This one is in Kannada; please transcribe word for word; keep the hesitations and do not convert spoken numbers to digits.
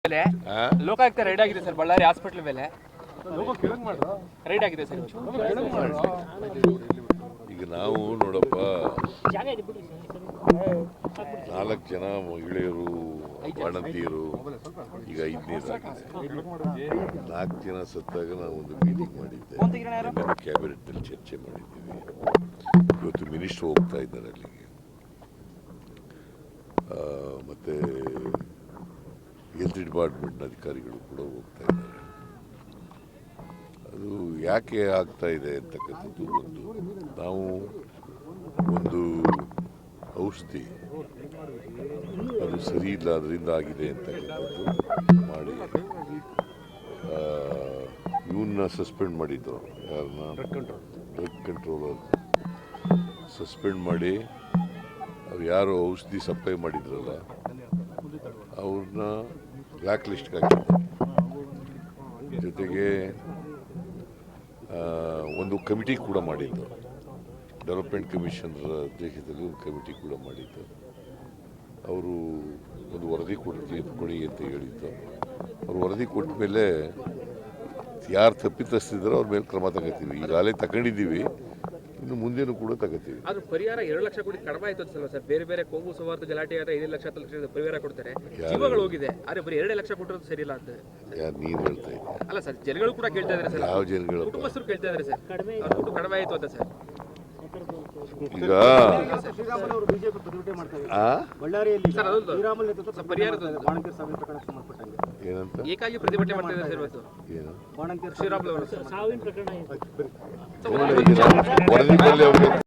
ಲೋಕಾಯುಕ್ತ ರೈಡ್ ಆಗಿದೆ ಸರ್ ಬಳ್ಳಾರಿ ಹಾಸ್ಪಿಟಲ್ ಮೇಲೆ ರೈಡ್ ಆಗಿದೆ ಸರ್. ಈಗ ನಾವು ನೋಡಪ್ಪ ನಾಲ್ಕು ಜನ ಮಹಿಳೆಯರು ಬಾಣಂತಿಯರು ಈಗ ಐದನೇದಾಗಿದೆ. ನಾಲ್ಕು ಜನ ಸತ್ತಾಗ ನಾವು ಒಂದು ಮೀಟಿಂಗ್ ಮಾಡಿದ್ದೆ, ಕ್ಯಾಬಿನೆಟ್ನಲ್ಲಿ ಚರ್ಚೆ ಮಾಡಿದ್ದೀವಿ. ಇವತ್ತು ಮಿನಿಸ್ಟರ್ ಹೋಗ್ತಾ ಇದ್ದಾರೆ ಅಲ್ಲಿಗೆ, ಮತ್ತು ಹೆಲ್ತ್ ಡಿಪಾರ್ಟ್ಮೆಂಟ್ನ ಅಧಿಕಾರಿಗಳು ಕೂಡ ಹೋಗ್ತಾ ಇದ್ದಾರೆ. ಅದು ಯಾಕೆ ಆಗ್ತಾ ಇದೆ ಅಂತಕ್ಕಂಥದ್ದು ಒಂದು ನಾವು ಒಂದು ಔಷಧಿ ಅದು ಸರಿ ಇಲ್ಲ ಅದರಿಂದ ಆಗಿದೆ ಅಂತಕ್ಕಂಥದ್ದು ಮಾಡಿ ಇವನ್ನ ಸಸ್ಪೆಂಡ್ ಮಾಡಿದ್ದು, ಯಾರನ್ನ ಡ್ರಗ್ ಕಂಟ್ರೋಲರ್ ಸಸ್ಪೆಂಡ್ ಮಾಡಿ ಅವ್ರು ಯಾರು ಔಷಧಿ ಸಪ್ಲೈ ಮಾಡಿದ್ರಲ್ಲ ಅವ್ರನ್ನ ಬ್ಲ್ಯಾಕ್ ಲಿಸ್ಟ್ಗೆ ಹಾಕಿದ್ದಾರೆ. ಜೊತೆಗೆ ಒಂದು ಕಮಿಟಿ ಕೂಡ ಮಾಡಿದ್ದು, ಡೆವಲಪ್ಮೆಂಟ್ ಕಮಿಷನರ್ ಅಧ್ಯಕ್ಷತೆಯಲ್ಲಿ ಒಂದು ಕಮಿಟಿ ಕೂಡ ಮಾಡಿದ್ದು. ಅವರು ಒಂದು ವರದಿ ಕೊಡ್ತೀವಿ ಕೊಡಿ ಅಂತ ಹೇಳಿದ್ದು. ಅವ್ರು ವರದಿ ಕೊಟ್ಟ ಮೇಲೆ ಯಾರು ತಪ್ಪಿತಸ್ಥಿದ್ದಾರೋ ಅವ್ರ ಮೇಲೆ ಕ್ರಮ ತಗೋತೀವಿ. ಈಗಾಗಲೇ ತಗೊಂಡಿದ್ದೀವಿ, ಇನ್ನು ಮುಂದೇನು ಕೂಡ ತಗೋತೀವಿ. ಅದು ಪರಿಹಾರ ಎರಡು ಲಕ್ಷ ಕೋಟಿ ಕಡಿಮೆ ಆಯ್ತು ಅನ್ಸಲ್ಲ ಸರ್? ಬೇರೆ ಬೇರೆ ಕೋಮು ಸೌಹಾರ್ದ ಗಲಾಟೆ ಆದ್ರೆ ಐದು ಲಕ್ಷ ಹತ್ತು ಲಕ್ಷ ಪರಿಹಾರ ಕೊಡ್ತಾರೆ, ಜೀವಗಳು ಹೋಗಿದೆ. ಆದ್ರೆ ಬರೀ ಎರಡು ಲಕ್ಷ ಕೊಟ್ಟರು ಸರಿ ಇಲ್ಲ ಅಂತ ಯಾರು ನೀನು ಹೇಳ್ತಾ ಇದ್ದೆ? ಅಲ್ಲ ಸರ್, ಜನಗಳು ಕೂಡ ಕೇಳ್ತಾ ಇದ್ದಾರೆ ಸರ್. ಯಾವ ಜನಗಳು? ಕುಟುಂಬಸ್ಥರು ಕೇಳ್ತಾ ಇದ್ದಾರೆ ಸರ್, ದುಡ್ಡು ಕಡಿಮೆ ಆಯ್ತು ಅಂತ ಸರ್. ಈಗ ಏನಂತ ಏಕಾಗಿ ಪ್ರತಿಭಟನೆ ಮಾಡ್ತಾ ಇದ್ದಾರೆ ಸರ್ ಇವತ್ತು. ಏನು ಶ್ರೀರಾಮುಲು ಅವರು ವರದಿ